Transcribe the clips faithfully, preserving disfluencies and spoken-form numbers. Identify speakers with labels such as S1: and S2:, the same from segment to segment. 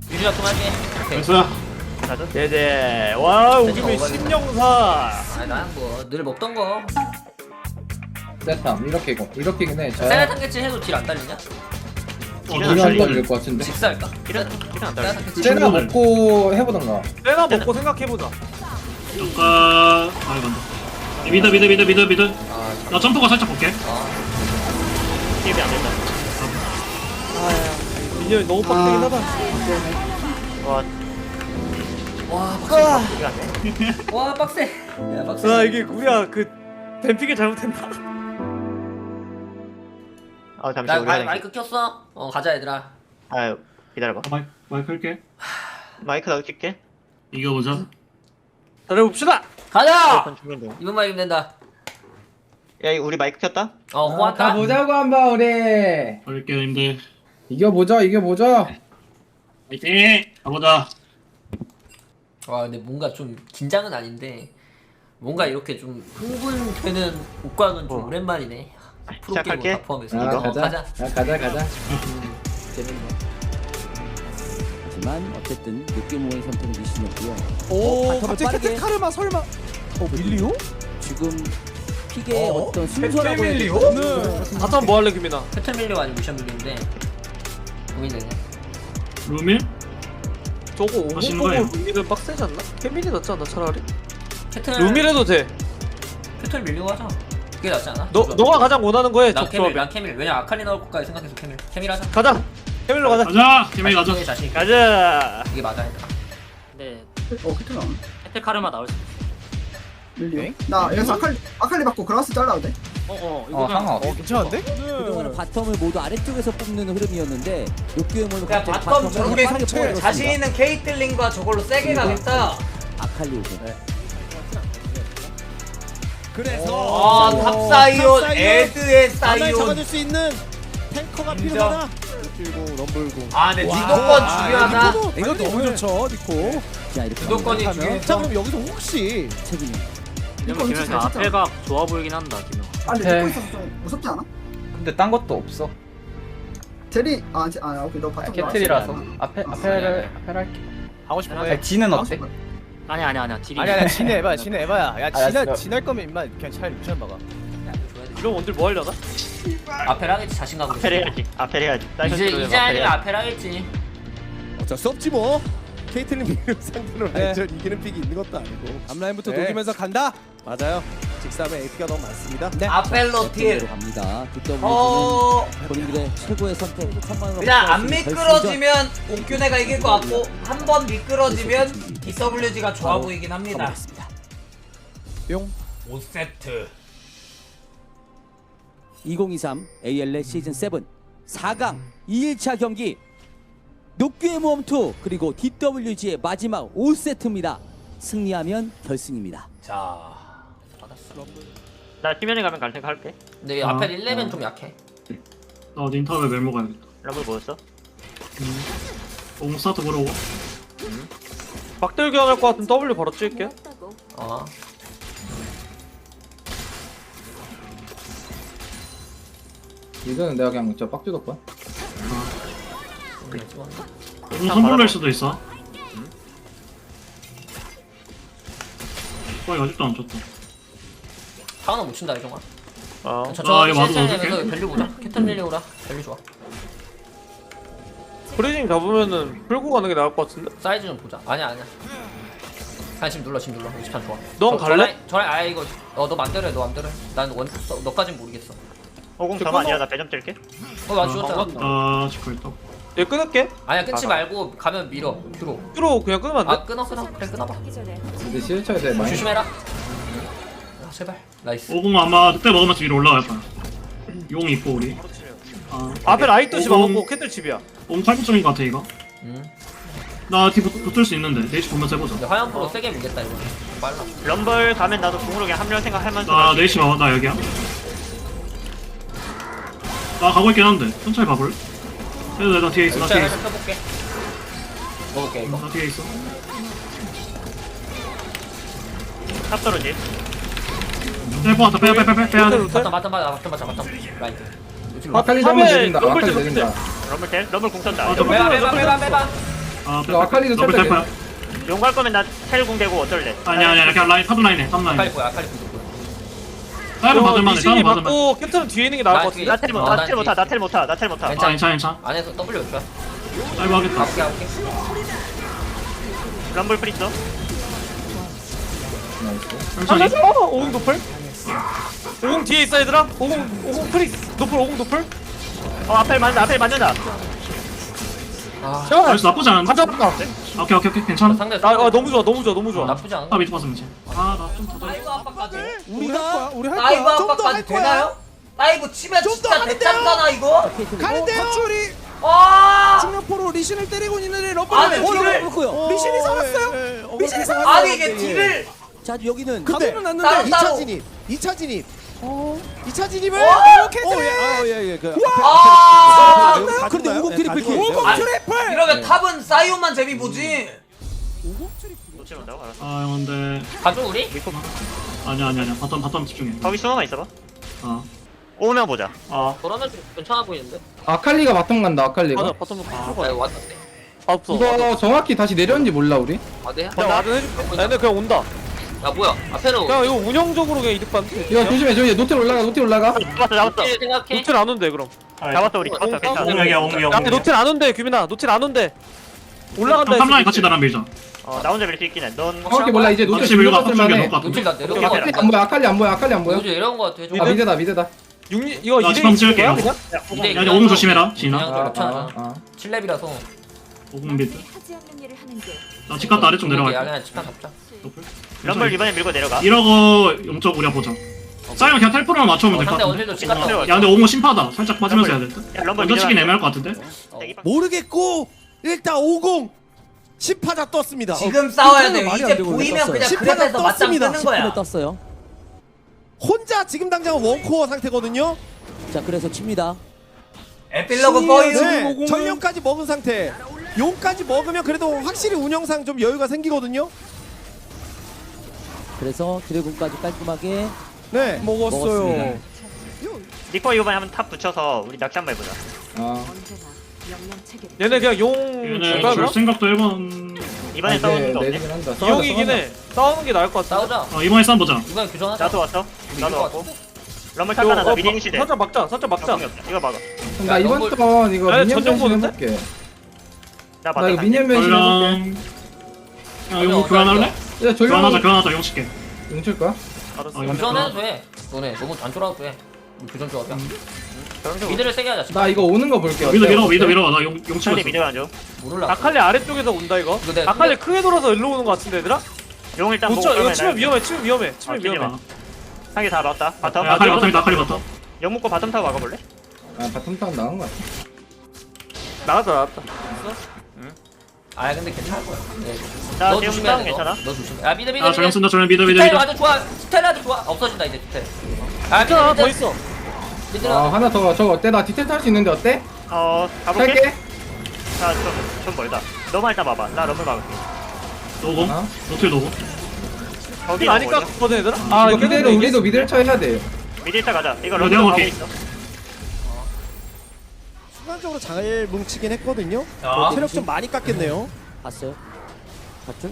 S1: 유리가 좀 할게. 오케이.
S2: 됐어.
S3: 나도.
S4: 네네. 와 우리
S1: 먹어야
S4: 신영사.
S1: 아니 난뭐늘 먹던 거.
S5: 세탐 이렇게 이거 이렇게긴 해. 저
S1: 세라 탄개치 해도 딜 안 딸리냐?
S2: 어,
S3: 이런
S2: 나
S5: 이거
S3: 달리-
S5: 안 걸릴 것 같은데.
S1: 직사할까?
S3: 이런 이런 안
S1: 세라
S3: 달려.
S1: 탄개치.
S5: 쟤나 먹고 해보던가.
S4: 내가 먹고 생각해보자.
S2: 잠깐. 아 이거 안돼. 미드 미드 미드 미드 미드.
S1: 아,
S2: 나 점프가 살짝 볼게.
S1: 아.
S3: 게임이 안 된다.
S4: 민현이 너무 빡세긴 하다.
S3: 와,
S1: 와 빡세.
S3: 이거 안 돼.
S1: 와 빡세. 야 빡세.
S4: 아 이게 우리가 그 댐핑을 잘못했나?
S3: 어 잠시
S1: 나
S3: 우리
S1: 마이,
S3: 하는.
S1: 마이크 켰어. 어 가자 얘들아.
S3: 아 기다려봐.
S2: 아, 마이 마이크 할게.
S3: 마이크 나도 킬게.
S2: 이겨보자.
S4: 잘해봅시다.
S1: 가자.
S3: 이건 죽는 중.
S1: 이분만 이기면 된다.
S3: 야 이거 우리 마이크 켰다?
S1: 어 호환다.
S5: 가보자고 한번 우리.
S2: 할게 님들.
S5: 이겨보자 이겨보자.
S2: 화이팅. 가보자.
S1: 와 근데 뭔가 좀 긴장은 아닌데 뭔가 이렇게 좀 흥분되는 옷과는 좀
S3: 어.
S1: 오랜만이네. 프로게이머
S3: 시작할게.
S1: 다 포함해서.
S5: 아
S1: 이거
S5: 가자.
S1: 가자.
S5: 아, 가자 가자.
S1: 재밌네.
S6: 하지만 어쨌든 느낌모의 선택은 미신이었고요.
S7: 오,
S6: 바텀을
S7: 갑자기
S6: 빠르게.
S7: 카르마 설마. 어, 밀리오?
S6: 지금 픽의
S5: 어?
S6: 어? 떤 순서라고 해야
S5: 밀리오?
S6: 될까요?
S7: 네.
S4: 바텀 뭐 할래 김이나?
S1: 패턴 밀려 아니면 미션 밀리인데 고민되네.
S2: 루밀?
S4: 저거 오공
S2: 하시는
S4: 보고
S2: 거예요?
S4: 루미는 빡세지 않나? 케빈이 낫지 않나 차라리?
S1: 패턴
S4: 루미래도 돼.
S1: 패턴 밀리고 하자. 그게 낫지 않아?
S4: 너 너가 가장 원하는 거에
S1: 난 케밀,
S4: 적조합이.
S1: 난 케밀. 왜냐 아칼리 나올 것까지 생각해서 케밀. 케밀 하자.
S4: 가자. 케빈로 가자.
S2: 가자. 팀에 가자.
S1: 자신 있게, 자신 있게.
S4: 가자.
S1: 이게 맞아 얘들아.
S8: 네.
S7: 어, 캐틀 나오네.
S8: 혜택 카르마 나올 수 있어.
S7: 밀리오? 나 여기서 아칼리 아칼리 받고 그라스 잘라도 돼?
S8: 어어 이거
S5: 어
S8: 그냥
S5: 상어.
S7: 괜찮은데?
S6: 그동안은 바텀을 모두 아래쪽에서 뽑는 흐름이었는데 녹규의몰로
S1: 야 바텀 정글의 상체 자신 있는 케이틀린과 저걸로 세게 가겠다.
S6: 아칼리 오고.
S1: 아 탑사이온, 에드의
S7: 나날
S1: 사이온.
S7: 잡아줄 수 있는 탱커가 필요하다. 그리고 럼블공.
S1: 아 근데 주도권 중요하다.
S7: 이거 너무 좋죠, 니코.
S6: 자 이렇게
S1: 주도권이
S7: 자,
S1: 중요해서.
S7: 그럼 여기서 혹시
S6: 책임이.
S8: 이러면 김현수 앞에가 좋아 보이긴 한다 김현.
S9: 아 근데
S5: 네.
S9: 찍고 있어서 좀 무섭지 않아?
S5: 근데 딴 것도 없어.
S9: 제리 아, 제, 아 오케이 너 바텀
S5: 캐틀이라서
S9: 나왔어.
S5: 앞에 앞에를 앞에를 할게.
S7: 하고 싶은
S5: 아니, 지는 어때?
S8: 아니 아니 아니야 딜이.
S7: 아니 아니 진해 해봐, 진해 해봐야. 야
S5: 알았어.
S7: 진할 진할 거면 임마 그냥 차라리 루시안 막아.
S4: 이런 원딜 뭐 하려나?
S1: 앞에 하겠지 자신감.
S3: 앞에 해야지. 앞에 해야지.
S1: 이제 이제 아니면 앞에 하겠지.
S7: 어쩔 수 없지 뭐. 케이틀린 미를 상대로
S5: 네.
S7: 라인전 이기는 픽이 있는 것도 아니고. 앞라인부터 녹이면서 간다. 맞아요. 직삼에 에이피가 너무 많습니다. 네.
S1: 아펠로 딜.
S6: 로 갑니다. 뒷더블
S1: 어
S6: 본인들의 최고의 선택. 삼만 원
S1: 그냥 안
S6: 결승전.
S1: 미끄러지면 옥균애가 이길 것 같고 한 번 미끄러지면 디더블유지가 좋아 보이긴 합니다.
S6: 가보겠습니다.
S7: 뿅.
S1: 오 세트.
S6: 이천이십삼 에이엘엘 시즌 칠 사 강 이 일차 경기 녹규의 모험 투 그리고 디더블유지의 마지막 오 세트입니다. 승리하면 결승입니다.
S1: 자 받았어.
S3: 나 팀면에 가면 갈 생각 할게.
S1: 근데
S2: 아,
S1: 앞에 일 레벨 좀 약해.
S2: 나 닌탑에 멜모 가야겠다.
S3: 러블 뭐였어?
S2: 공 스타트 보러 오고.
S4: 박들기 안할 것 같은 W 바로 찍을게.
S1: 어.
S5: 이거는 내가 그냥 저 빡주도 거야.
S2: 공 선불낼 수도 있어. 어 이거 아직도 안 쳤다.
S1: 하나 못 친다 이종아.
S3: 어.
S2: 아,
S1: 저저
S2: 이거 맞아,
S1: 실체내면서
S2: 어떡해?
S1: 밸류 보자. 캐턴 밀리오라 밸류 좋아.
S4: 프리징 잡으면은 풀고 가는 게 나을 것 같은데?
S1: 사이즈 좀 보자. 아니야 아니야. 아니 지금 눌러 지금 눌러. 이십삼 좋아.
S4: 넌
S1: 저-
S4: 갈래?
S1: 저라인- 저라인 아 이거 어 너 맘대로 해너 맘대로 해. 난 원, 너, 너까진 모르겠어.
S3: 오공 점 아니야. 나 배점 뜰게.
S1: 어나 죽었잖아.
S2: 아 지금 있다.
S4: 얘 끊을게.
S1: 아니야 끊지
S3: 아,
S1: 말고 가면 밀어. 큐로.
S4: 큐로 그냥 끊으면 안 돼?
S1: 아 끊어 끊어. 그래 끊어봐.
S5: 근데 시일차에서 많이.
S1: 조심해라. 아, 제발. 나이스.
S2: 오공 아마 그때 먹으면 위로 올라갈 거야. 용 있고 우리. 아
S4: 앞에 라이트 집
S2: 오공.
S4: 막았고 캐틀 집이야.
S2: 공 팔 점인 것 같아 이거.
S1: 음.
S2: 나 뒤 붙을 수 있는데 네이치 보면서 해보자.
S1: 근데 화염 프로 세게 밀겠다 이거. 빨라.
S3: 럼블 가면 나도 궁으로 그냥 합류 생각하면서.
S2: 나
S3: 갈게.
S2: 네이치 봐봐. 나 여기야. 나 가고 있긴 한데 천천히 봐볼. 해도 나 뒤에 있어. 나
S1: 자,
S2: 뒤에
S1: 내가
S2: 있어.
S1: 펴볼게. 먹을게 이거.
S2: 나 뒤에 있어.
S3: 탑 떨어지.
S2: 빼고 왔다. 빼야 빼 빼 빼 빼야 돼.
S1: 맞다 맞다 맞다 맞다 맞다 맞다. 라이트.
S5: 아칼리
S4: 탑에
S5: 잡으면 내린다.
S4: 럼블
S5: 아칼리
S4: 집
S5: 내린다.
S3: 럼블 텔? 럼블 궁 쏜다.
S2: 아, 럼블
S1: 빼봐 빼봐 빼봐 빼봐.
S2: 아
S5: 이거 아칼리도
S2: 더블
S5: 쳤다,
S2: 텔퍼야.
S3: 용 갈 거면 나 텔궁 대고 어쩔래?
S2: 아니야 아니야 그냥 라인 탑 라인해 탑
S1: 아칼리
S2: 라인.
S1: 거야 아칼리 거.
S2: 다른 받을만해
S4: 리신이
S2: 다른 받을만.
S4: 맞고 캡틴은 뒤에 있는 게 나을 것 같은데.
S3: 나텔 못,
S1: 어,
S3: 나텔
S1: 난
S3: 못하, 나텔 못하, 나텔 못하.
S2: 아
S1: 괜찮아.
S2: 괜찮아 괜찮아.
S1: 안에서 W 줘.
S2: 아이고 하겠다.
S1: 아홉 개 아홉 개.
S3: 럼블 프리스.
S2: 천천히.
S4: 살려줘. 오공 노플. 오공 뒤에 있어 얘들아. 오공 오공 프리스. 노플 오공 노플.
S3: 어 앞에 맞는다, 앞에 맞는다.
S1: 아
S4: 자,
S2: 나이스 나쁘지 않은데?
S4: 가져가.
S2: 오케이 오케이 오케이 괜찮아.
S1: 상대.
S4: 아, 아 너무 좋아 너무 좋아 너무 좋아.
S1: 나쁘지 않아.
S2: 아 밑에 봤으면 돼. 아나 좀 더.
S1: 다이브 압박까지.
S7: 우리 할 거야. 우리 할
S1: 다이브
S7: 거야. 좀 더 할
S1: 압박까지
S7: 거야.
S1: 되나요? 다이브 치면
S7: 좀더
S1: 진짜
S7: 하는데요?
S1: 대참사나 이거?
S7: 가는데요. 파출이
S1: 아
S7: 중력포로 리신을 때리고 있는데
S1: 아니,
S7: 러브를
S1: 딜을-
S6: 그렇고요.
S7: 어, 리신이 살았어요.
S5: 예,
S7: 리신이 살았어요.
S1: 아니 이게 딜을
S6: 자 여기는
S7: 근데
S1: 따로,
S7: 났는데
S1: 따로.
S7: 이 차 진입. 이 차 진입. 어. 이 차 진입을
S1: 어?
S7: 이렇게 해.
S5: 예예 그
S1: 아
S6: 그런데 오공 트리플 킬.
S7: 오공
S1: 아니,
S7: 트리플.
S1: 이러면 탑은 사이온만 재미 보지.
S3: 놓치면 온다고 알았어.
S2: 아 근데
S1: 가죠 우리?
S2: 아니야 아니야 아니야 바텀 바텀 집중해.
S3: 거기 숨어만 있어봐.
S2: 아.
S3: 오면 보자.
S2: 아.
S1: 그러면 좀 괜찮아 보이는데?
S5: 아칼리가 바텀 간다 아칼리가.
S4: 맞아 바텀 노플.
S1: 아 이거 왔는데.
S4: 아 없어.
S5: 이거 정확히 다시 내렸는지 몰라 우리.
S1: 아네.
S4: 나 와든 해줄게. 나 근데 그냥 온다.
S1: 야 뭐야? 앞에로.
S4: 그냥 이거 운영적으로 그냥 이득 받는.
S5: 이거 조심해 조심해 노텔 올라가 노텔 올라가.
S3: 잡았어, 잡았어.
S1: 어떻게 생각해?
S4: 노틸 안 온대 그럼.
S3: 잡았어 우리. 잡았어, 괜찮아.
S2: 옹이야 옹이
S4: 야 노틸 안 온대 규민아. 노틸 안 온대. 올라간다.
S2: 탑 라인
S4: 했어,
S2: 같이
S4: 노틸.
S2: 나랑 밀자.
S3: 어, 나 혼자 밀 수 있긴 해. 넌
S5: 정확히 몰라 이제 노텔
S2: 혹시 밀고
S5: 올라갔을
S2: 바텀 쪽에
S5: 만해.
S2: 놓을 것
S1: 노틸
S2: 같은데.
S1: 나 내려.
S3: 오케이, 오케이.
S5: 아칼리 안 보여 아칼리 안 보여 아칼리 안 보여.
S1: 요즘 이런 거 같아. 좀
S5: 아 미드다 미드다.
S4: 육 이거
S2: 나
S4: 이대
S2: 지금 찍을게요.
S4: 그냥?
S1: 이대
S2: 야 이제 오공 조심해라 진아.
S1: 그냥 좀 괜찮아.
S5: 아.
S1: 칠 렙이라서.
S2: 오공 밑.
S10: 하지 않는 일을 하는 게
S2: 나 집 갔다 아래쪽
S1: 야
S2: 내려갈게.
S1: 그냥 집단 잡자.
S3: 럼블 이번에 밀고 내려가.
S2: 이러고 용적 우리가 보자. 사이언 그냥 텔프로만 맞춰오면
S1: 어,
S2: 될 것
S1: 상대
S2: 같은데.
S1: 어딜도 찍었다.
S2: 야 근데 오공 심파다. 살짝 빠지면서 해야 될 듯.
S3: 야, 럼블
S2: 먼저 치기
S3: 밀어라.
S2: 애매할 것 같은데.
S7: 모르겠고 일단 오공 십파자 떴습니다.
S1: 지금 싸워야 돼.
S6: 말이 안
S1: 이제
S6: 되고
S1: 보이면
S6: 떴어요.
S1: 그냥
S7: 십파가
S1: 그랩에서 맞짱
S7: 떴습니다.
S1: 뜨는 거야.
S6: 떴어요.
S7: 혼자 지금 당장 원코어 상태거든요.
S6: 자 그래서 칩니다.
S1: 에필로그 보이.
S7: 네, 전령까지 먹은 상태. 용까지 먹으면 그래도 확실히 운영상 좀 여유가 생기거든요.
S6: 그래서 드래곤까지 깔끔하게
S7: 네.
S6: 먹었어요.
S3: 니코 이번에 한번 탑 붙여서 우리 낚시 한번 해보자.
S5: 아.
S10: 언제나 명령 체계.
S4: 얘네 그냥 용
S2: 얘네
S4: 줄까
S2: 줄
S4: 그럼?
S2: 생각도 해본.
S3: 이번에
S5: 아,
S3: 싸우는
S5: 이제
S3: 거 없네.
S5: 내리긴 한다.
S4: 이용이긴 해. 싸우는 게 나을 것 같아.
S1: 싸우자.
S2: 어 이번에 싸움 보자.
S1: 이번에 교전하자.
S3: 나도 왔어. 나도
S1: 이거
S3: 왔고. 럼블
S4: 이거,
S3: 탈까나 나
S4: 어,
S3: 미리
S4: 막-
S3: 시대.
S4: 살짝 막자. 살짝 막자.
S3: 이거 막아.
S5: 그럼 나
S1: 야,
S5: 이번
S1: 너무-
S5: 턴 이거
S4: 야,
S5: 미니언
S4: 전용
S5: 변신
S4: 보는데?
S5: 해볼게.
S3: 나
S5: 나
S3: 맞다.
S5: 이거 미니언 변신 해볼게.
S2: 얼랑. 야 이거 교환할래?
S5: 야
S2: 교환하자
S5: 전령
S2: 교환하자 용 칠게.
S5: 용칠 거야?
S3: 알았어.
S2: 어, 이거
S1: 교전해도 돼. 너네 너무 안 쫄아도 돼. 우리 교전 좋아하자.
S3: 그럼
S1: 미드를 세게 하자.
S5: 나 이거 오는 거 볼게.
S2: 미드
S5: 어때?
S2: 밀어 미드
S5: 어때?
S2: 밀어 나용 용 치고
S3: 차라리
S2: 있어.
S3: 미드가 안 줘.
S1: 모를라.
S4: 아칼리 아래쪽에서 온다 이거.
S1: 이거 내가
S4: 아칼리 크게 돌아서 일로 오는 것 같은데 얘들아?
S3: 용 일단
S4: 못
S3: 보고
S4: 쳐. 이거
S3: 그러면
S4: 치면
S3: 나-
S4: 위험해. 치면 위험해. 치면
S3: 아, 치지
S4: 위험해.
S3: 마. 상계 다 막다. 바텀.
S2: 야, 아칼리 바텀이다 아칼리 바텀.
S3: 용 묶고 바텀 타고 막아볼래?
S5: 아 바텀 타운 나온 거 같아.
S4: 나갔다 나갔다.
S1: 아 근데 괜찮을 거야. 네.
S3: 나
S1: 너
S3: 지금
S1: 조심해야
S3: 싸움
S1: 돼. 너.
S3: 괜찮아?
S1: 너 조심해. 아 미드 미드.
S2: 아 저냥 쓴다 저냥 미드 미드
S1: 스텔
S2: 미드.
S1: 아주 좋아. 스텔 아주 좋아. 없어진다 이제 스텔. 아 미드
S4: 괜찮아
S1: 미드.
S4: 더 있어.
S1: 미드.
S5: 아 하나 더 저거 어때? 나 디테일 탈 수 있는데 어때?
S3: 어 가볼게.
S5: 탈게.
S3: 나좀좀 멀다. 너만 일단 봐봐. 나 럼블 막을게.
S2: 노고
S5: 어?
S2: 노틸 노고.
S3: 거기
S4: 이 아니까 거든 얘들아? 아
S5: 이거
S4: 이거
S5: 그대로 우리도 미드를 쳐야 돼.
S3: 미드 일단 가자. 이거
S2: 이거
S3: 럼블
S2: 내가
S3: 가고
S2: 볼게.
S3: 있어.
S7: 순간적으로 잘 뭉치긴 했거든요.
S1: 자.
S7: 어, 체력 좀 많이 깎였네요.
S6: 봤어요? 봤죠?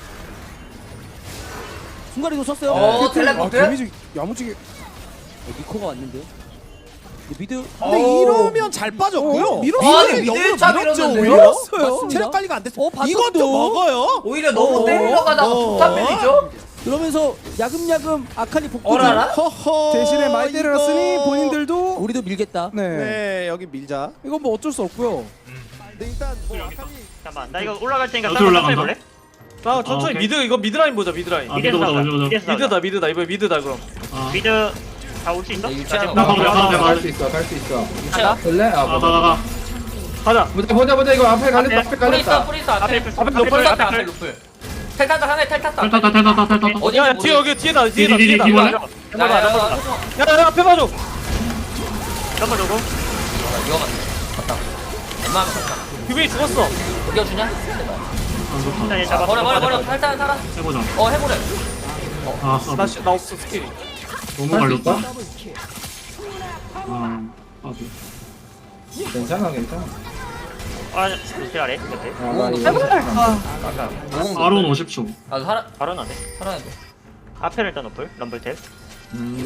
S6: 순간이동 썼어요.
S1: 어
S7: 아,
S1: 텔레포트.
S7: 데미지 야무지게.
S6: 어, 니코가 왔는데요. 근데 미드
S7: 근데
S1: 어.
S7: 이러면 잘 빠졌고요.
S1: 밀었어요. 아니, 미드 차 밀었는데.
S7: 밀었어요. 체력 관리가 안 됐어.
S6: 어, 바텀도.
S7: 이것도 먹어요.
S1: 오히려 너무
S7: 어.
S1: 때리러 가다가
S7: 어.
S1: 폭탄 밀리죠?
S6: 그러면서 야금야금 아칼리 복구.
S1: 어라라?
S7: 허허.
S11: 대신에 많이 때려놨으니
S7: 이거-
S11: 본인들도
S6: 우리도 밀겠다.
S11: 네.
S7: 네 여기 밀자.
S11: 이건 뭐 어쩔 수 없고요.
S7: 근데 일단 뭐 아칼리
S3: 잠깐만. 나 이거 올라갈 테니까
S2: 어디로
S3: 싸움
S2: 올라간다?
S3: 해볼래?
S4: 나
S2: 아,
S4: 천천히
S2: 오케이.
S4: 미드 이거 미드 라인 보자 미드 라인.
S2: 아 미드 보자 미드 보자.
S3: 미드에서
S4: 미드다
S3: 싸우자.
S4: 미드다 이번 미드다 그럼.
S2: 아
S3: 미드 다 올 수 있어?
S1: 네,
S3: 나
S1: 유치하는
S3: 지금
S2: 거.
S3: 나
S2: 가봐, 가봐, 가봐.
S5: 갈 수 있어 갈 수 있어.
S1: 유치야.
S5: 볼래? 아 보자.
S2: 가가가.
S4: 가자.
S5: 보자 보자 보자 이거 앞에 갈렸다 앞에
S1: 뿌리 있어
S5: 갈렸다.
S1: 뿌리 있어 앞에.
S3: 앞에
S1: 앞에
S3: 앞에
S1: 루플
S3: 앞에
S1: 탔다
S3: 앞에
S1: 앞에 루플. 텔 탔다 상대 텔 탔다.
S2: 탈탔다 탈탔다 탈탔다.
S1: 어디
S4: 야 뒤에 여기 뒤에다 뒤에다
S2: 디디디
S4: 뒤에다.
S2: 디볼래?
S4: 야, 야, 야, 앞에 봐줘.
S3: 럼블 오고.
S1: 이거 맞네. 갔다. 엄마 갔다.
S4: 규빈이 죽었어.
S1: 이거 주냐?
S2: 아 좋다.
S3: 일단 얘 잡았어.
S1: 버려 버려 버려. 탈탈 살아.
S2: 해보자.
S1: 어 해보래.
S2: 아
S4: 나,
S2: 아,
S4: 씨- 나 없어 스킬이.
S2: 너무
S5: 할 수
S2: 갈렸다.
S5: 있어?
S2: 아 아.
S5: 괜찮아 괜찮아.
S3: 아 노틸 아래 밑에.
S5: 아, 나 이거
S3: 아까
S1: 오공
S2: 바론 오십 초.
S1: 아 살아
S3: 바로 나네.
S1: 살아야 돼.
S3: 앞에를 일단 노플 럼블 탭.
S5: 음.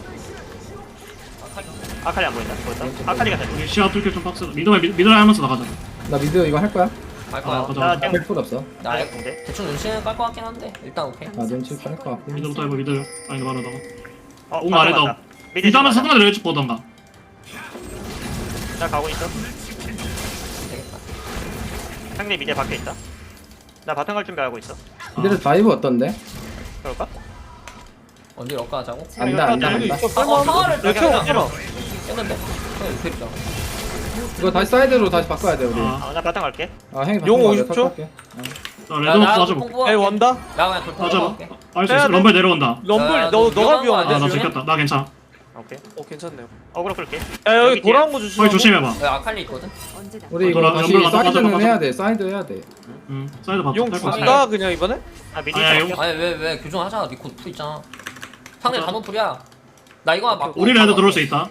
S3: 아칼리 안 보인다. 보였다. 아칼리가 됐네.
S2: 시야 뚫기 좀 빡세. 미드에 미드에 하면서 나가자.
S5: 나 미드 이거 할 거야?
S1: 갈
S2: 아
S1: 거야.
S2: 가자.
S3: 나
S2: 가자.
S3: 땡.
S5: 백 풀 없어.
S1: 나
S3: 아래 공대.
S1: 대충 눈치는 깔 것 같긴 한데 일단 오케이.
S5: 나 눈치 빠를 것 같고.
S2: 미드부터 해봐 미드. 아니 바로다가.
S3: 어,
S2: 공
S3: 바로
S2: 아래다.
S3: 간다. 미드
S2: 미드 하면
S3: 가자.
S2: 상관을 내려쭉 보던가.
S3: 나 가고 있어.
S1: 되겠다.
S3: 상대 미드 밖에 있다. 나 바텀 갈 준비하고 있어.
S5: 미드 다이브 어떤데?
S3: 그럴까?
S1: 언제 럭가 하자고?
S5: 안다 안다
S4: 여기
S5: 안다.
S4: 있어.
S1: 아, 어, 타워를
S4: 여기
S1: 그냥
S4: 형 해봐.
S1: 깼는데? 그냥 이렇게 있다.
S5: 이거 다시 사이드로 다시 바꿔야 돼 우리.
S2: 아,
S3: 어, 나 바텀 갈게.
S5: 아 행이
S4: 용
S5: 바꿔,
S4: 오십 초?
S5: 내가 탈게.
S2: 나 레드부터 맞아봐.
S1: 뽕
S4: 에 원다.
S1: 나 그냥 돌풍
S2: 맞아봐.
S1: 할게.
S2: 알수
S4: 해야
S2: 있어.
S4: 돼?
S2: 럼블 내려온다.
S4: 럼블
S1: 야,
S4: 너
S1: 너
S4: 너가
S1: 위험한 거
S4: 위험한데.
S1: 아니야?
S2: 아 나
S1: 조심해.
S2: 들켰다. 나 괜찮아.
S3: 오케이.
S4: 어 괜찮네요.
S3: 어그로 끌게.
S4: 야 여기
S3: 여기
S4: 돌아온 거
S2: 거기
S4: 조심하고.
S2: 조심해봐.
S1: 야 아칼리 있거든?
S10: 언제나
S5: 우리 이거
S2: 돌아,
S5: 다시
S2: 연결 가자,
S5: 사이드는
S2: 가자,
S5: 해야 돼. 사이드 해야 돼.
S2: 응. 사이드 봐줘.
S4: 용 준다 그냥 이번에?
S3: 아 미드
S2: 아니야,
S3: 있어.
S2: 용-
S1: 아니 왜 왜 교정하자. 니코 풀 있잖아. 상대
S2: 맞아.
S1: 단호풀이야. 나 이거 막
S2: 우리 레드 들어올 수 있다.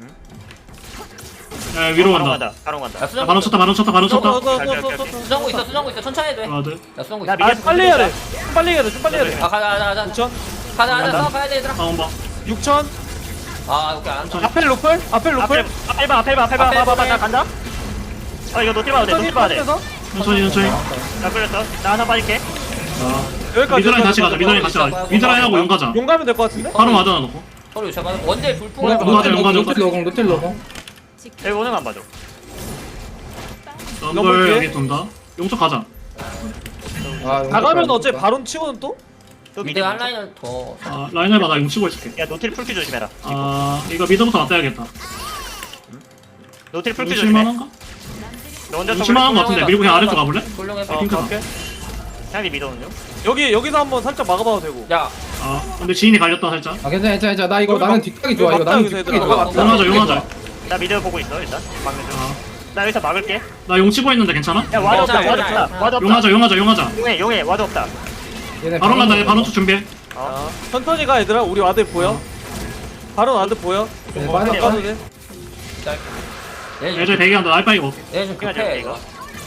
S2: 야 위로
S3: 바로
S2: 간다.
S3: 간다. 바로 간다.
S1: 야
S2: 야,
S1: 수정구
S2: 바론
S1: 있어.
S2: 쳤다. 바론 쳤다. 바론 쳤다.
S4: 너너너너너.
S1: 수정구 있어 수정구 있어 천천히 해도 돼.
S2: 아 네.
S1: 야 수정구
S3: 야,
S1: 있어.
S3: 미-
S4: 아 빨리 해야 돼. 좀 빨리 해야 돼. 좀 빨리 해야 돼.
S1: 아 가자 가자 가자.
S4: 육천.
S1: 가자 가자 싸워 가야 돼 얘들아.
S2: 다운 봐.
S4: 육천.
S1: 아 오케이 안 한다.
S4: 앞에 로플. 앞에
S3: 앞에
S4: 로플.
S3: 앞에 봐 앞에 봐 앞에 봐
S1: 앞에
S3: 봐봐
S1: 보내.
S3: 나 간다. 아 이거 노틸 봐도 돼. 노틸 봐도 돼.
S4: 앞에서.
S2: 천천히 천천히.
S3: 나 끌렸어. 나 하나 빠질게.
S2: 아.
S4: 여기까지.
S2: 미드라인 다시 가자. 미드라인 같이 가자. 미드라인 하고 용 가자.
S4: 용 가면 될 것 같은데?
S2: 바로 맞아 놓고.
S1: 서로 제발 원딜
S2: 어,
S1: 불풍을
S2: 어, 맞아, 용 가자.
S5: 노틸 노공 노틸 노공.
S3: 여기 오는 거안 봐줘.
S2: 럼블 여기 돈다. 용쪽 가자.
S5: 아
S4: 나가면 어째 바론 치고는 또?
S3: 또
S1: 미드
S3: 미드
S1: 한
S3: 한 라인.
S1: 라인을 더.
S2: 아 라인을 봐. 나 용 치고 있을게.
S3: 야 노틸 풀키 조심해라.
S2: 아 이거 미드부터 맞대야겠다.
S3: 노틸 풀키
S2: 용
S3: 조심해.
S2: 칠만한가?
S3: 너 혼자
S2: 용 칠만한 거 같은데. 밀고 그냥 아래쪽 가볼래?
S1: 훌륭해봐.
S4: 어
S2: 핑크다.
S4: 갈게.
S3: 상대 미드 오는 중.
S4: 여기 여기서 한번 살짝 막아봐도 되고.
S1: 야
S2: 아 근데 지인이 갈렸다 살짝.
S5: 아 괜찮아 괜찮아 괜찮아. 나 이거
S4: 여기
S5: 나는
S4: 막-
S5: 뒷각이 좋아.
S4: 여기
S5: 이거 나는
S4: 막다,
S5: 뒷각이
S4: 여기서
S5: 좋아.
S1: 얘들아.
S2: 용하자 용하자.
S3: 나 미드 보고 있어 일단. 막는 중.
S2: 아,
S3: 나 여기서 막을게.
S2: 나 용 치고 있는데 괜찮아?
S3: 야 와드 없다.
S1: 괜찮아,
S3: 와드
S1: 괜찮아.
S3: 없다. 와드 없다.
S2: 용하자 용하자 용하자.
S3: 용해 용해 와드 없다.
S5: 얘네
S2: 바로 간다. 얘
S5: 바로
S2: 바로 쪽 준비해.
S3: 어.
S4: 천천히 가 얘들아. 우리 와드 보여? 바론 와드 보여?
S5: 얘네
S3: 어,
S5: 빠져.
S3: 네.
S4: 가도 돼?
S2: 얘들 대기한다. 날빠이 먹.
S1: 얘좀
S3: 그냥
S1: 급해
S3: 이거.
S1: 이거.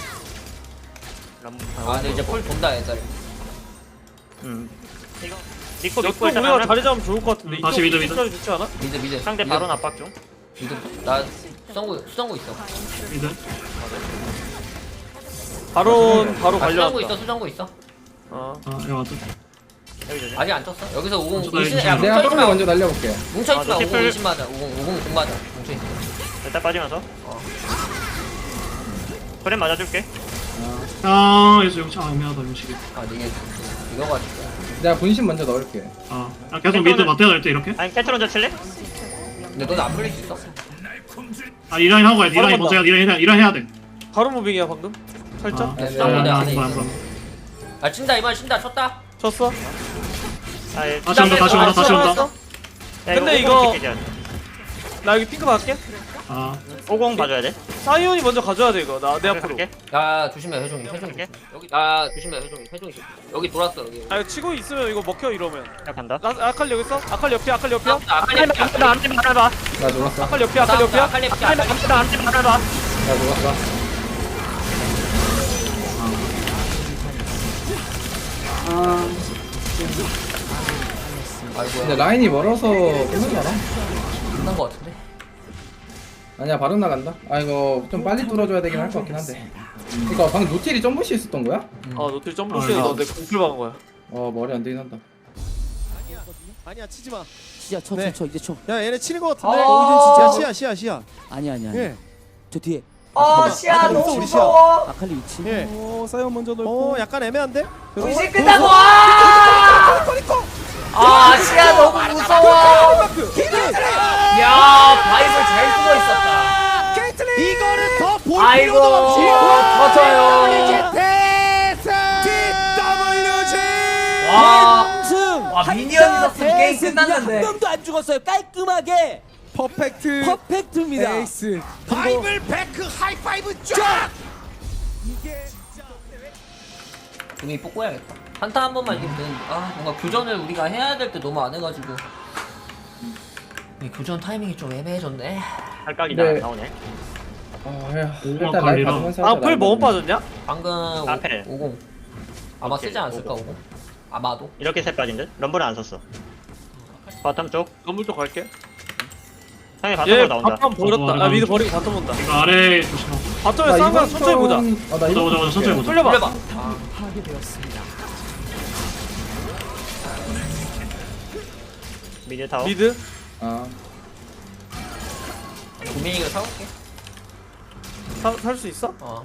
S3: 럼.
S1: 아 근데 이제 풀 돈다 얘들.
S3: 음. 이거 니코
S4: 여기
S3: 믿고 일단
S4: 우리가
S3: 하나-
S4: 자리 잡으면 좋을 것 같은데.
S2: 음, 다시
S4: 이쪽
S2: 미드, 미드.
S4: 자리 좋지 않아?
S1: 미드 미드.
S3: 상대
S1: 미드,
S3: 바로 압박 중.
S1: 미드. 나 수정구 수정구 있어.
S2: 미드.
S4: 바론 바로
S1: 아, 수정구
S4: 관련.
S1: 있어 수정구 있어.
S4: 어.
S2: 아 이거 맞다.
S3: 여기 조심.
S1: 아직 안 쳤어. 여기서 오공
S2: 쳤다,
S1: 의심.
S2: 이거.
S1: 야
S5: 내가
S1: 뭉쳐있지
S5: 처음에
S1: 마.
S5: 먼저 날려볼게.
S1: 뭉쳐있지
S3: 아,
S1: 마.
S3: 너
S1: 오공
S3: 티플-
S1: 의심 맞아. 오공 오공 공 맞아. 뭉쳐있어.
S3: 일단 빠지면서. 그래 맞아줄게.
S2: 아 여기서 용치. 아 애매하다 용치기.
S1: 아 근데 이게 이거 가지고.
S5: 내가 분신 먼저 넣을게.
S2: 아 야, 계속 미드 맞대야 될 때 이렇게.
S3: 아니 캐트 먼저 칠래?
S1: 근데 너는 안 풀릴 수 있어?
S2: 아 이 라인 하고 가야 돼. 이 라인
S4: 바로
S2: 먼저 해야 돼. 이 라인 해야- 이 라인 해야 돼.
S4: 바론 무빙이야 방금. 살짝.
S2: 아,
S5: 네,
S1: 수정구
S5: 네.
S1: 내
S2: 아,
S1: 안에
S2: 뭐야,
S1: 있어.
S2: 뭐야.
S1: 아 친다 이번 친다 쳤다.
S4: 쳤어?
S3: 아 예.
S2: 다시 온다 다시 온다 다시 온다.
S4: 알았어.
S3: 야,
S4: 근데
S3: 이거 오공
S4: 이거-
S3: 지키자.
S4: 나 여기 핑크 받을게.
S2: 아
S3: 오공 봐줘야 돼.
S4: 사이온이 먼저 가져야 돼 이거. 나 내 앞으로.
S3: 갈게.
S1: 야 조심해 회종이 회종이 조심. 여기 아 조심해 회종이 회종이 조심. 여기 돌았어 여기.
S4: 아 이거 치고 있으면 이거 먹혀 이러면.
S3: 야 간다.
S4: 나 아칼리 여기 있어? 아칼리 옆이야. 아칼리 옆이야?
S1: 아 아칼리
S3: 나 안지 말아봐.
S5: 나 죽었어.
S4: 아칼리 옆이야. 아칼리 옆이야?
S1: 아칼리
S3: 나 안지 말아봐.
S5: 나 죽었어.
S1: 아이고야.
S5: 근데 라인이 멀어서 끝나잖아.
S1: 끝난 거 같은데.
S5: 아니야 바로 나간다. 아 이거 좀 빨리 뚫어줘야 되긴 할 것 같긴 한데. 이거 방금 노틸이 점프시 있었던 거야?
S4: 아 노틸 점프시에
S2: 아,
S4: 너내 공풀 박은 거야.
S5: 어 머리 안 되긴 한다.
S7: 아니야 치지 마.
S6: 진짜 쳐,
S7: 네.
S6: 쳐, 쳐, 이제 쳐.
S7: 야 얘네 치는 거 같은데.
S1: 아,
S7: 야 시야 시야 시야.
S6: 아니 아니 아니.
S7: 예.
S6: 저 뒤에
S1: 아
S7: 시야 너무 무서워.
S6: 아칼리 위치.
S7: 예.
S11: 오 사이언 먼저 넣고.
S7: 어 약간 애매한데?
S1: 의식 끝나고 와! 아 시야 너무 무서워. 야 바이블 잘 쓰고 있었다.
S7: 이거는 더 볼
S1: 아이고
S7: 필요도 없이.
S1: 터져요.
S7: 디더블유지.
S1: 와.
S6: 승.
S1: 와 미니언 있었으면 게임
S6: 대승.
S1: 끝났는데.
S6: 한 명도 안 죽었어요. 깔끔하게
S11: 퍼펙트
S6: 퍼펙트입니다.
S11: 에이스.
S7: 바이블 백크 하이파이브 쫙.
S1: 분위기 뽑고야겠다. 한타 한 번만 이기면 되는데 아 뭔가 교전을 우리가 해야 될 때 너무 안 해가지고 이 교전 타이밍이 좀 애매해졌네.
S3: 할각이다
S5: 네.
S3: 나오네.
S5: 아야
S2: 오만
S5: 일단 라인
S2: 관리라.
S5: 받으면서
S4: 아,
S5: 하자,
S4: 풀
S5: 라인
S4: 뭐
S5: 받으면서.
S4: 빠졌냐?
S1: 방금
S3: 앞에.
S1: 오공 아마
S3: 오케이,
S1: 쓰지 않았을까
S3: 오공.
S1: 오공 아마도
S3: 이렇게 셋 빠진 듯? 럼블은 안 썼어. 바텀 쪽.
S4: 건물 쪽 갈게.
S3: 상대
S4: 얘
S3: 바텀으로 나온다.
S4: 바텀 버렸다. 아, 미드 버리고 바텀 온다.
S2: 이거 아래 조심하고.
S4: 바텀에
S5: 나
S4: 싸움
S5: 이번
S4: 천천히 보자.
S5: 턴- 아, 나
S2: 보자
S5: 이번
S2: 보자 보자 천천히 보자.
S4: 뚫려봐.
S1: 뚫려봐
S3: 미드 타워.
S4: 미드.
S5: 아
S1: 고민이가 사올게
S4: 살 수 있어?
S1: 어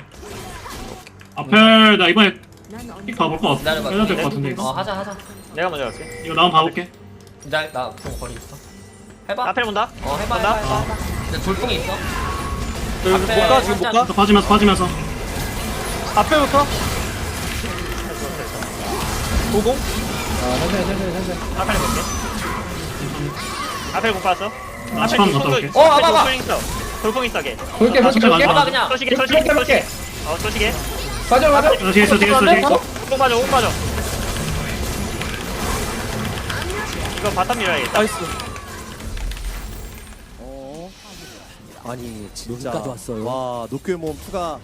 S2: 앞에 나 이번에
S10: 난 언제
S2: 픽 봐볼 것 같아.
S1: 기다려봐
S2: 해야 될 것 같은데 이거.
S1: 어 하자 하자
S3: 내가 먼저 갈게.
S2: 이거 나 한번 봐볼게.
S1: 기다려 나좀 거리 있어 해봐
S3: 앞에 본다.
S1: 어 해봐 해봐 해봐 해봐 근데 돌풍이 있어
S4: 여기
S1: 앞에
S4: 못 가? 지금 못
S1: 살짝-
S4: 가?
S2: 또 빠지면서 빠지면서.
S4: 앞에부터. 오공.
S5: 아, 천천히 천천히 천천히
S3: 앞에 볼게. 앞에 못 봤어.
S2: 나
S3: 앞에
S2: 스팸 갔다 올게.
S1: 어, 와봐, 와봐.
S3: 돌풍 있어. 돌풍 있어 걔.
S5: 볼게
S2: 아,
S5: 볼게
S2: 진짜
S5: 볼게
S2: 많다.
S1: 해봐 그냥
S3: 소시계
S5: 볼게
S3: 소시계
S5: 볼게
S3: 소시계.
S5: 볼게
S3: 어 소시계.
S5: 맞아 맞아
S2: 어, 뒤에 있어 뒤에 있어 뒤에 있어.
S3: 오공 빠져 오공 빠져. 이거 바텀 밀어야겠다.
S4: 나이스.
S7: 어. 아니 진짜
S6: 여기까지 왔어요.
S7: 와 노크의 모험 투가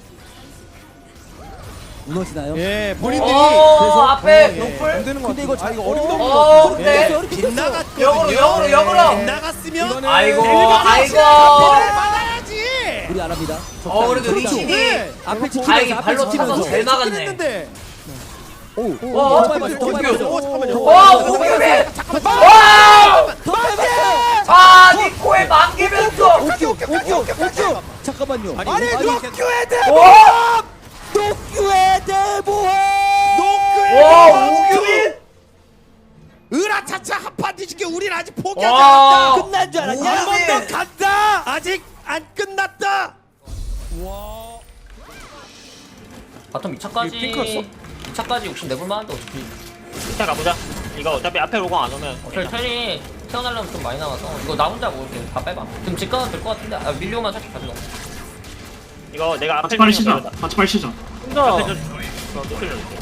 S6: 무너지나요?
S7: 예 본인들이
S1: 어
S6: 그래서-
S1: 앞에
S7: 어, 예,
S1: 노플
S7: 안 되는 거
S6: 근데 이거
S7: 같아. 아 이거
S6: 어,
S7: 어림도
S1: 어,
S7: 없는
S1: 근데
S7: 거. 빗나갔거든요.
S1: 역으로, 역으로, 역으로.
S7: 빗나갔으면
S1: 아이고,
S7: 일반
S1: 아이고.
S7: 선수는 받아야지.
S6: 우리 안 합니다.
S1: 어 그래도
S6: 그렇죠.
S1: 리신이
S7: 네.
S6: 앞에 지키면서
S1: 아, 이게
S6: 앞에
S1: 발로
S6: 지키면서.
S1: 차서 잘 막았네.
S7: 했는데.
S6: 오,
S1: 어,
S6: 오, 정말
S1: 어,
S6: 맞았어,
S1: 어,
S6: 정말
S1: 어,
S6: 맞았어.
S7: 오 잠깐만요.
S1: 와 오기맨 와
S6: 더 빼봤어.
S1: 아, 니코에 만개면서
S6: 오큐, 오큐, 오큐. 잠깐만요.
S7: 아니 노큐의 대.
S1: 와,
S6: 도쿄의 대보험.
S7: 노크의
S1: 와, 오규민.
S7: 으라차차 한판 뒤집게 우린 아직 포기하지
S1: 와.
S7: 않았다.
S6: 끝난 줄 알았냐?
S7: 한 번 더 간다. 아직 안 끝났다.
S1: 바텀 이 차까지
S4: 이거 핑크였어?
S1: 이 차까지 욕심 내볼 만한데 어차피
S3: 자 가보자. 이거 어차피 앞에 오공 안 오면.
S1: 어차피 텔이 태어나려면 좀 많이 남아서 이거 나 혼자 먹을게 다 빼봐 지금 집 가도 될 것 같은데 아 밀려오면 살짝 가져가
S3: 이거 내가 앞에
S2: 같이 빨리
S3: 있는 거
S2: 시작. 같이 빨리 시작.
S4: 혼자.
S3: 앞에 좀- 어, 노플 넣을게.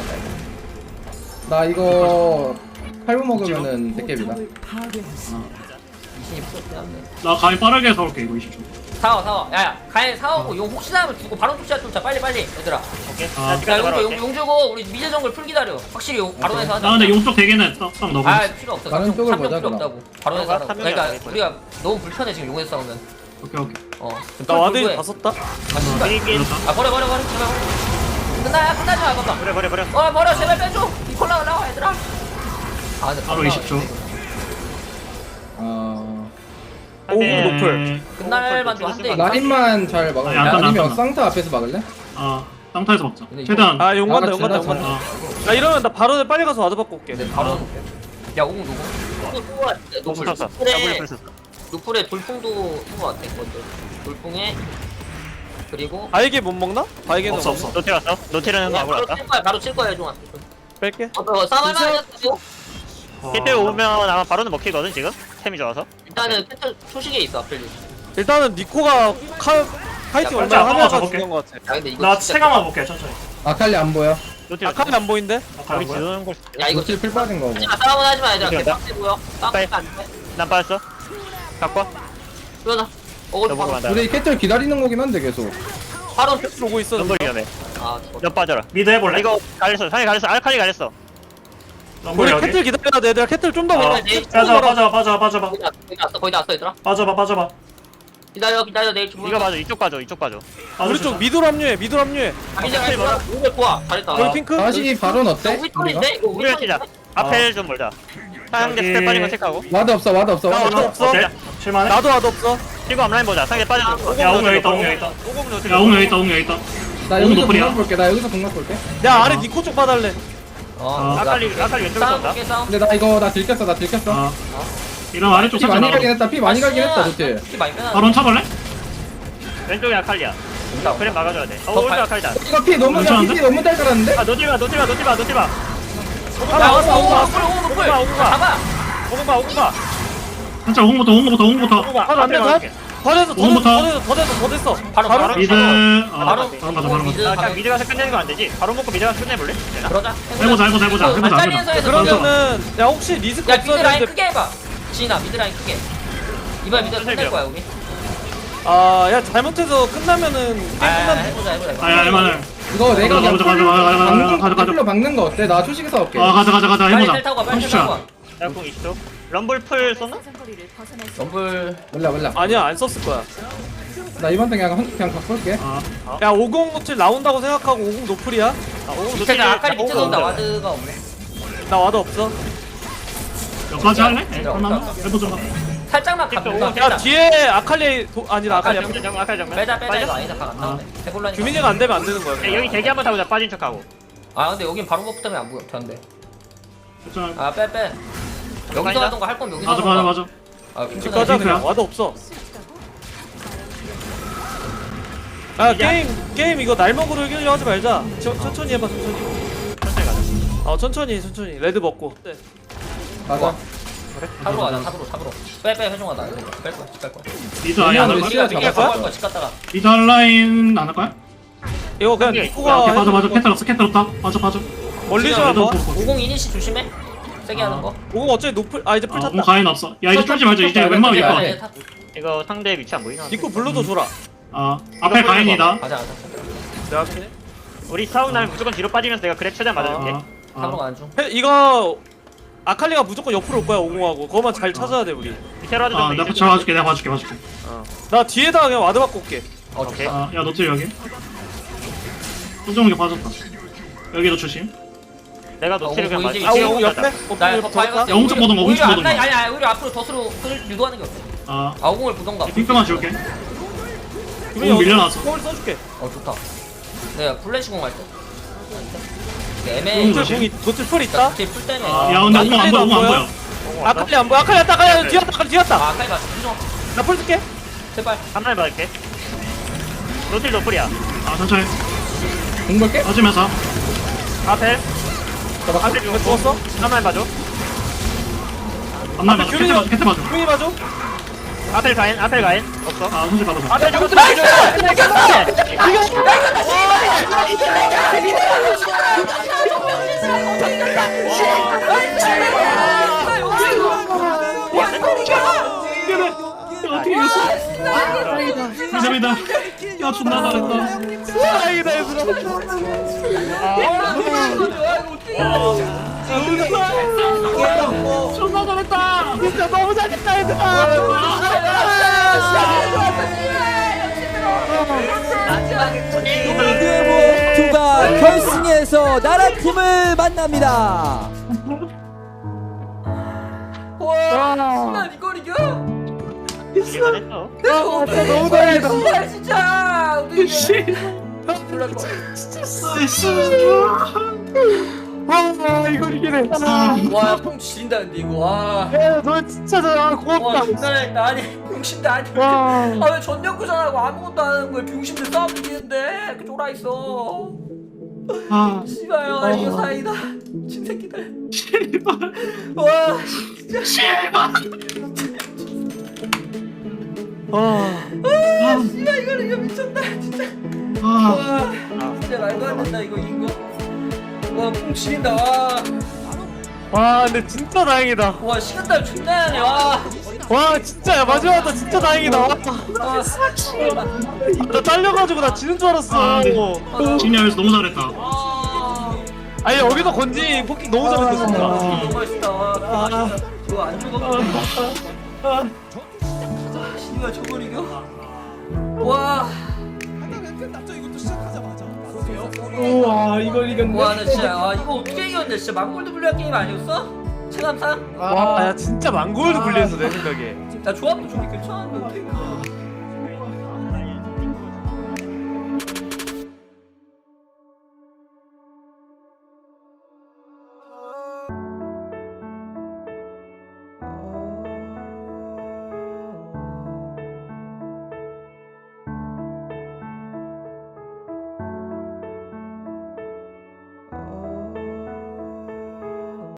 S5: 나 이거 칼부 먹으면은 대깨비다
S1: 미신이 풀었긴 한데
S2: 나 가위 빠르게 사올게 이거 이십 초.
S1: 사와 사와 야야 가에 사오고 용 혹시나 하면 주고 바로 푸시야 뚫자 빨리 빨리 얘들아
S3: 오케이.
S2: 아.
S3: 나
S1: 야
S3: 집까지 바로
S1: 용, 용,
S3: 갈게.
S1: 용 주고 우리 미드 정글 풀 기다려 확실히 용 바론에서 하자
S2: 나 근데 용쪽 대게는 딱, 딱 넣어봐.
S1: 아 필요 없어
S5: 다른
S1: 삼 점
S5: 쪽을
S1: 필요
S5: 보자, 그럼.
S1: 없다고 바론에서
S3: 너가
S1: 하라고
S3: 삼 명이
S1: 그러니까
S3: 아니고.
S1: 우리가 너무 불편해 지금 용에서 싸우면
S2: 오케이 오케이.
S1: 어
S4: 나 와드이 다 썼다.
S1: 아 씨발
S3: 게임
S1: 아 버려 버려 버려 제발 버려 끝나야 끝나지 마 봐봐
S3: 버려 버려 버려.
S1: 어 버려 제발 빼줘 이콜라 올라와 얘들아 아 근데
S2: 바로 이십 초.
S5: 아
S4: 오공 노플.
S1: 끝날 만도 한대
S5: 라인만 잘 막을래?
S2: 아니, 안 끝나, 안
S5: 아니면
S2: 끝나.
S5: 쌍타 앞에서 막을래?
S2: 아 땅타에서 먹자.
S1: 근데 이거-
S2: 최대한.
S4: 아, 용 간다, 용
S5: 나같이,
S4: 간다, 용
S5: 나같이.
S4: 간다.
S2: 아,
S4: 나 이러면 나 바로 빨리 가서 와드 받고 올게.
S1: 근데 바로 야 오공 누구?
S3: 공
S1: 노플
S3: 썼어.
S1: 노플에
S3: 더블 썼어.
S1: 노플에 돌풍도 쓴거 같아 이것도 돌풍에 그리고
S4: 바이게 못 먹나? 바이게는
S2: 없어,
S4: 먹나?
S2: 없어.
S3: 노틸 왔어? 노틸은
S1: 야,
S3: 가고
S1: 바로
S3: 왔다.
S1: 칠 거야 바로 칠 거야 해종아
S4: 뺄게.
S1: 어 싸움할 만하겠어
S3: 캐틀 오면 아마 바로는 먹히거든 지금? 템이 좋아서.
S1: 일단은 캐틀 초식에 있어 앞필리
S4: 일단은 니코가 카 파이팅
S1: 야,
S4: 얼마나
S2: 빨리
S4: 하냐가
S2: 잡아볼게.
S4: 중요한 것 같아.
S1: 야 근데 이거
S2: 나
S1: 진짜
S2: 체감만 볼게 천천히.
S5: 아칼리 안 보여
S3: 노틸
S4: 아카이 안 보인데?
S3: 거기 지르는 걸.
S1: 야 이거
S5: 노틸 풀 빠진 거고
S1: 하지마 싸움은 하지마 얘들아
S3: 이거
S1: 개빡세 보여 싸움
S3: 빨리.
S1: 안돼
S3: 난 빠졌어. 갖고 와.
S1: 그러자 어글
S3: 너 보고
S1: 바로
S3: 간다.
S5: 우리 캐틀 기다리는 거긴 한데 계속
S1: 바로
S4: 보고 있어.
S3: 럼블 위험해.
S1: 아 죽었다
S3: 너 빠져라.
S2: 미드 해볼래?
S3: 이거 갈렸어. 상이 갈렸어. 알칼리 갈렸어.
S2: 럼블
S4: 우리
S2: 여기.
S4: 캐틀 기다려야 돼. 얘들아 캐틀 좀더
S2: 아,
S4: 걸어.
S2: 빠져봐 빠져봐 빠져봐 빠져봐.
S1: 거의 다 거의 다 왔어 거의 다 왔어 얘들아
S2: 빠져봐 빠져봐.
S1: 기다려 기다려 내일 주문
S3: 이거 봐줘. 이쪽 봐줘. 이쪽 봐줘.
S4: 우리 쪽 미드로 합류해. 미드로 합류해.
S1: 미드 갈 거야 오늘 좋아 잘했다
S4: 여기 핑크?
S5: 다시 바론 어때?
S1: 우리
S5: 우리가?
S1: 털인데 이거 우리
S3: 우리가 치자. 앞에 좀 몰자. 상대
S2: 여기.
S3: 스텝 빠진 거 체크하고.
S5: 와드 없어 와드 없어
S3: 나
S5: 와드
S3: 와드
S5: 없어
S3: 없어.
S2: 어때? 칠만해?
S4: 나도 와드 없어.
S3: 이거 앞라인 보자. 상대 빠진 거.
S2: 야 옹 여기 있다 옹 여기 있다.
S3: 오공 노틸.
S2: 야 옹 여기 있다 옹 여기 있다.
S5: 나
S2: 너무
S5: 여기서
S2: 노플이야.
S5: 공각 볼게 나 여기서 공각 볼게
S4: 야 아래 니코 쪽 봐달래.
S1: 어
S3: 아칼리 아칼리 왼쪽에
S1: 싸움
S3: 쏜다.
S1: 볼게 싸움
S5: 근데 나 이거 나 들켰어 나 들켰어
S2: 아. 이런 아래쪽
S5: 피
S2: 살짝
S5: 많이 가긴
S2: 나가.
S5: 했다 피 많이 가긴 했다 노틸
S1: 피 많이 빼놔
S2: 바론 차볼래?
S3: 왼쪽에 아칼리야.
S1: 온다,
S3: 그래
S1: 온다.
S3: 막아줘야 돼. 어
S1: 더
S3: 오른쪽
S1: 발-
S3: 아칼리다.
S5: 이거 피 너무 야
S2: 괜찮은데?
S5: 피 너무 잘 깔았는데?
S3: 아 노틸 봐 노틸 봐 노틸 봐 노틸 봐.
S1: 야 왔어 오공 노플 오공 노플
S3: 오공 봐, 오공 봐.
S1: 잡아
S3: 오공 봐 오공 봐.
S2: 살짝 홍부터 홍부터 홍부터.
S3: 오공 봐.
S4: 바로 안
S3: 앞에
S4: 돼,
S3: 막을게.
S4: 더 됐어. 더 됐어.
S2: 오공부터.
S4: 더 됐어. 더 됐어. 더 됐어.
S1: 바로
S3: 바로
S1: 바로
S2: 미드. 아,
S1: 바로
S2: 바로 가자 바로
S1: 미드
S2: 가자.
S3: 아 그냥 미드 가서 끝내는 거 안 되지. 바로 먹고 미드 가서 끝내볼래? 되나?
S1: 그러자
S2: 해보자 해보자 해보자 해보자 해보자.
S1: 발자리에서 해서
S4: 그러면은 야 혹시 리스크
S1: 야 미드
S4: 없어야
S1: 라인
S4: 되는데
S1: 크게 해봐 지인아 미드 라인 크게 이번에 미드
S3: 천천히
S1: 끝낼 거야 우리
S4: 아야 잘못해서 끝나면은 게임
S1: 아
S4: 끝난.
S1: 해보자 해보자 이거.
S2: 아야 할만해.
S5: 이거 내가
S2: 가자, 가자, 가자, 가자, 가자, 가자, 가자, 가자.
S5: 풀로 박는 거 어때? 나 초식에 싸울게.
S2: 아 가자 가자 가자
S1: 빨리
S2: 해보자.
S1: 텔 타고 가 빨리 텔
S2: 삼십 초.
S1: 타고 가.
S3: 야공 이십 초. 럼블 풀 쏘나?
S10: 상거리를 벗어날 수
S1: 럼블
S5: 몰라 몰라.
S4: 아니야 안 썼을 거야.
S5: 나 이번 턴 그냥 한- 그냥 바꿀게.
S2: 아
S4: 야 오공 노틸 나온다고 생각하고 오공 노플이야.
S3: 아 오공
S1: 밑에 나 아칼리 밑에
S3: 오공
S1: 돈다
S3: 온다.
S1: 와드가 없네.
S4: 나 와도 없어.
S2: 여기까지 할래? 에,
S1: 얘들아,
S2: 할만해?
S1: 없다.
S2: 해보자.
S1: 살짝만
S3: 틱톡
S1: 가볼까?
S3: 오공
S4: 야 뒤에 아칼리 도, 아니다 아칼리
S3: 아칼 정면 아칼 정면.
S1: 빼자 빼자
S3: 빠져?
S1: 이거 아니다 각 안 나오네. 해볼라니까.
S4: 규민이가 안 되면 안 되는 거야.
S3: 야,
S4: 그냥.
S3: 여기 대기 한번 타보자. 빠진 척하고.
S1: 아 근데 여긴 바로 버프 때문에 안 보여. 된대.
S2: 괜찮아.
S1: 아빼 빼. 여기서
S3: 아니다.
S1: 하던 거 할 거면 여기서
S2: 맞아
S1: 하던
S2: 맞아
S1: 거.
S2: 맞아.
S1: 아
S4: 집
S1: 핑크다.
S4: 가자 그냥
S2: 핑크야?
S4: 와도 없어. 아 게임 게임 이거 날먹으로 이기려 하지 말자. 저, 천천히 해봐 천천히.
S3: 천천히 가자.
S4: 어 천천히 천천히 레드 먹고. 네.
S5: 맞아.
S1: 탑으로 가자 탑으로 탑으로. 빼빼 회중하다. 이거 뺄 거야 집 갈 거야.
S2: 리드 아예 안
S5: 왜냐면
S2: 할
S5: 시간
S2: 거야?
S1: 이게
S5: 잡았어?
S1: 바로 갈 거야 집 갔다가.
S2: 리드 할 라인 안 할 거야?
S4: 이거 그냥
S3: 오케이.
S4: 니코가
S2: 오케이 맞아 맞아.
S4: 해주는
S2: 캔 들었어 캔 들었다. 맞아 맞아.
S4: 멀리 좀
S2: 리드
S4: 한번.
S2: 보고.
S1: 오공 이니시 조심해. 세게 하는 거.
S4: 오공 어차피 노플 아 이제 풀
S2: 아,
S4: 탔다.
S2: 뭐 가인 없어. 야 이제 쫄지 말자. 이제 웬만하면 이길 것
S1: 네,
S2: 같아.
S1: 탑.
S3: 이거 상대 위치 안 보이나?
S4: 니코 블루도 줘라.
S2: 아 앞에 가인이다.
S1: 가자 가자.
S4: 내가 할게.
S3: 우리 싸움 나면 무조건 뒤로 빠지면서 내가 그랩 최대한 맞아줄게.
S2: 아,
S1: 탑으로
S2: 아.
S1: 가는 중.
S4: 해- 이거 아칼리가 무조건 옆으로 올 거야 오공하고. 그거만 잘 찾아야 돼 우리.
S3: 밑에로 와도
S2: 아
S3: 좀
S2: 내가
S3: 있을
S2: 제가 봐줄게 내가 봐줄게 봐줄게.
S4: 어. 나 뒤에다가 그냥 와드 받고 올게.
S1: 어
S3: 오케이.
S1: 좋다.
S2: 아야 노트 여기. 소정이 빠졌다. 여기도 조심.
S3: 내가 노티를 그냥
S1: 오공
S3: 맞.
S1: 이제
S4: 아
S1: 이제
S4: 오공
S1: 오공
S4: 옆에?
S1: 나
S4: 옆에
S1: 더 파이버스.
S2: 야, 오른쪽 보던 거, 오른쪽 보던 거.
S1: 아니 아니 오히려 앞으로 덫으로 끌 유도하는 게 어때?
S2: 아
S1: 아 오공을 보던가.
S2: 핑크만 줄게.
S4: 규민이
S2: 오, 밀려났어.
S4: 공을 써줄게.
S1: 어 좋다. 내가 플래시 공 할 때. 네, 애매.
S2: 음,
S4: 노틸 공이 노틸 풀 있다.
S1: 뒤에 풀 때문에.
S2: 야 근데 오공 안 보여 오공 안 보여.
S4: 아칼리 안 보여. 아칼리 왔다. 아칼리 뒤였다. 아칼리 뒤였다.
S1: 아 아칼리 맞춰. 좀
S4: 나 풀 쓸게.
S1: 제발.
S3: 한 마리 받을게. 노틸 노플이야.
S2: 아 천천히.
S5: 공 볼게.
S2: 빠지면서.
S3: 앞에.
S5: 잡았어.
S3: 앞에
S4: 이거 죽었어?
S3: 한 마리 봐줘.
S2: 앞날
S4: 앞에
S2: 맞아.
S4: 규민이
S2: 캐트 맞아. 캐트 맞아.
S4: 규민이 봐줘.
S3: 앞에 가인 앞에 가인 없어.
S2: 아 손실 받아봐.
S3: 앞에 죽었어.
S2: 어떻게 이겼어? 미담이다. 야 존나 잘했다.
S4: 다행이다 얘들아.
S2: 존나 잘했다.
S4: 진짜 너무 잘했다 얘들아.
S6: 노크웨모투가 결승에서 나라팀을 만납니다.
S1: 와, 이걸 이겨?
S3: 이기만 했어.
S1: 아, 너무 잘했다. 진짜. 어떻게
S4: 와 이걸 이기네.
S1: 와, 뽕 지린다 근데 이거. 와.
S4: 야너 진짜 잘
S1: 와,
S4: 고맙다.
S1: 존나 잘했다. 아니, 병신도 아니.
S4: 와.
S1: 아, 왜 전력구전하고 아무것도 안 하는 거야? 병신들 싸움 이기는데. 그 쫄아 있어.
S2: 아
S1: 씨발요. 아, 이거 사이다. 진새끼들. 와, 아, 씨발 이거 이거 미쳤다. 진짜.
S2: 아.
S1: 와, 진짜 말도 안 된다 이거 이거. 와, 뽕 지린다. 와.
S4: 와 근데 진짜 다행이다.
S1: 와, 시간달 존나 하네. 와.
S4: 와 진짜 야 마지막이다. 진짜 다행이다. 와,
S1: 아,
S4: 나 딸려가지고 나 지는 줄 알았어.
S2: 아, 네. 진이하면서 너무 잘했다.
S1: 아,
S4: 아니 여기서 건지 포킹 너무 잘했어 진짜.
S1: 너무 맛있다. 와, 아, 이거 안 죽어. 아, 씨발 저걸 이겨? 와.
S5: 우와 이걸 이겼네.
S1: 와, 나 진짜 아 이거 어떻게 이겼냐? 진짜 망골드 분리한 게임 아니었어? 체감상?
S4: 와, 야 진짜 망골드 불리했어 내 생각에.
S1: 나 조합도 좋게 괜찮았는데 어떻게 이겨?